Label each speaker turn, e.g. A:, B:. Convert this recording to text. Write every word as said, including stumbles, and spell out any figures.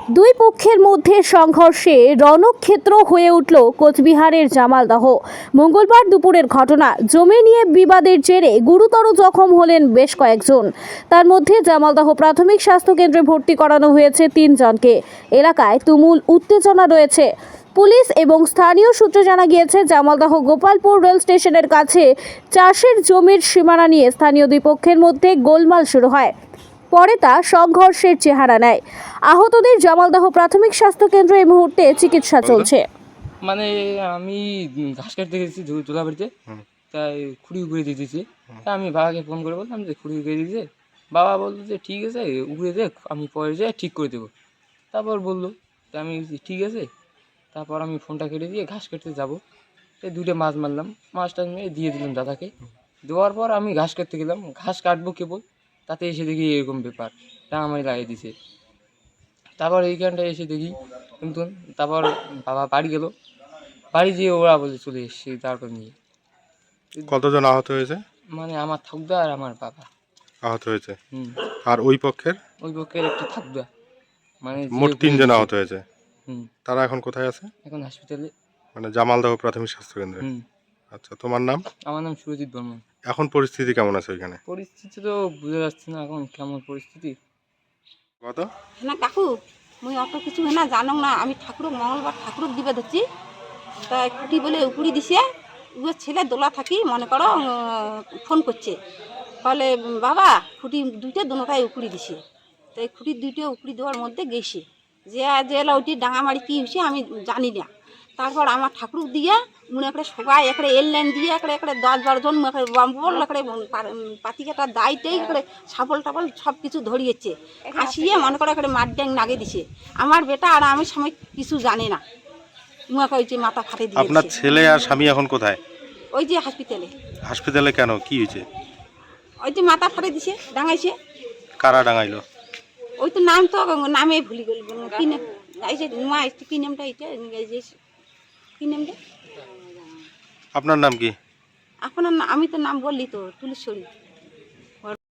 A: দুই পক্ষের মধ্যে সংঘর্ষে রণক্ষেত্র হয়ে উঠল কোচবিহারের জামালদহ। মঙ্গলবার দুপুরের ঘটনা। জমি নিয়ে বিবাদের জেরে গুরুতর জখম হলেন বেশ কয়েকজন। তার মধ্যে জামালদহ প্রাথমিক স্বাস্থ্য কেন্দ্রে ভর্তি করানো হয়েছে তিনজনকে। এলাকায় তুমুল উত্তেজনা রয়েছে। পুলিশ এবং স্থানীয় সূত্রে জানা গিয়েছে, জামালদহ গোপালপুর রেল স্টেশনের কাছে চাষের জমির সীমানা নিয়ে স্থানীয় দুই পক্ষের মধ্যে গোলমাল শুরু হয়। পরে তা সংঘর্ষের চেহারা নেয়। আহতদের জামালদহ প্রাথমিক স্বাস্থ্য কেন্দ্রে এই মুহূর্তে চিকিৎসা চলছে।
B: মানে আমি ঘাস কাটতে গেছি তোলাবাড়িতে, তাই খুঁড়ি উগড়ে দিয়ে দিয়েছি। তাই আমি বাবাকে ফোন করে বললাম যে খুঁড়ি উগড়ে দিয়েছে। বাবা বললো যে ঠিক আছে, উগড়ে দেখ, আমি পরে যাই ঠিক করে দেবো। তারপর বললো, তা আমি ঠিক আছে। তারপর আমি ফোনটা কেটে দিয়ে ঘাস কাটতে যাবো। এই দুটো মাছ মারলাম, মাছটা নিয়ে দিয়ে দিলাম দাদাকে। দেওয়ার পর আমি ঘাস কাটতে গেলাম, ঘাস কাটবো কেবল, তাতে এসে দেখি এরকম ব্যাপার, টাঙামারি লাগিয়ে দিছে। তারপর এইখানটা এসে দেখি কিন্তু, তারপর বাবা বাড়ি গেল, বাড়ি যেয়ে ওরা বলে চলে এসছে তারপর নিয়ে।
C: কতজন আহত হয়েছে?
B: মানে আমার ঠাকুরদা আর আমার বাবা
C: আহত হয়েছে।
B: হুম
C: আর ওই পক্ষের
B: ওই পক্ষের একটা ঠাকুরদা, মানে
C: মোট তিনজন আহত হয়েছে।
B: হুম
C: তারা এখন কোথায় আছে?
B: এখন হসপিটালে,
C: মানে জামালদহ প্রাথমিক স্বাস্থ্য কেন্দ্রে।
B: হুম
C: আচ্ছা, তোমার নাম?
B: আমার নাম সুরজিৎ বর্মন।
C: এখন পরিস্থিতি কেমন আছে ওইখানে?
B: পরিস্থিতি তো বুঝা যাচ্ছে না এখন কেমন পরিস্থিতি।
C: কত
D: না কাকু, মুই অত কিছু না জানো না। আমি ঠাকুর মঙ্গলবার ঠাকুর দিবে ধরছি, তাই খুঁটি বলে উকুড়ি দিছে। ওর ছেলে দোলা থাকি মনে করো ফোন করছে, বলে বাবা খুঁটি দুইটা দুটাই উকুড়ি দিছে। তাই খুঁটির দুইটা উকুড়ি দেওয়ার মধ্যে গেছে যে যে ওইটি ডাঙামারি কী হয়েছে আমি জানি না। তারপর আমার ঠাকুর দিয়ে মনে করে সবাই এখানে এল লাইন দিয়ে এখানে এখানে দশ বারোজন বল এখানে পাতিকাটার দায়টাই এখানে সাবল টাবল সব কিছু ধরিয়েছে, আসিয়ে মনে করে এখানে মাঠ ড্যাং নাগে দিছে। আমার বেটা আর আমি সময় কিছু জানে না, মুখে ওই যে মাথা ফাটে দিয়ে।
C: আপনার ছেলে আর স্বামী এখন কোথায়?
D: ওই যে হসপিটালে।
C: হাসপাতালে কেন, কি হয়েছে?
D: ওই যে মাথা ফাটে দিছে, ডাঙাইছে।
C: কারা ডাঙাইলো?
D: ওই তো নাম তো নামে ভুলি গেল, কি নাম এই যে নোয়া কি নামটা এটা এই যে কি নামটা?
C: আপনার নাম কি?
D: আপনার আমি তো নাম বললি তো, তুলেশ্বরী।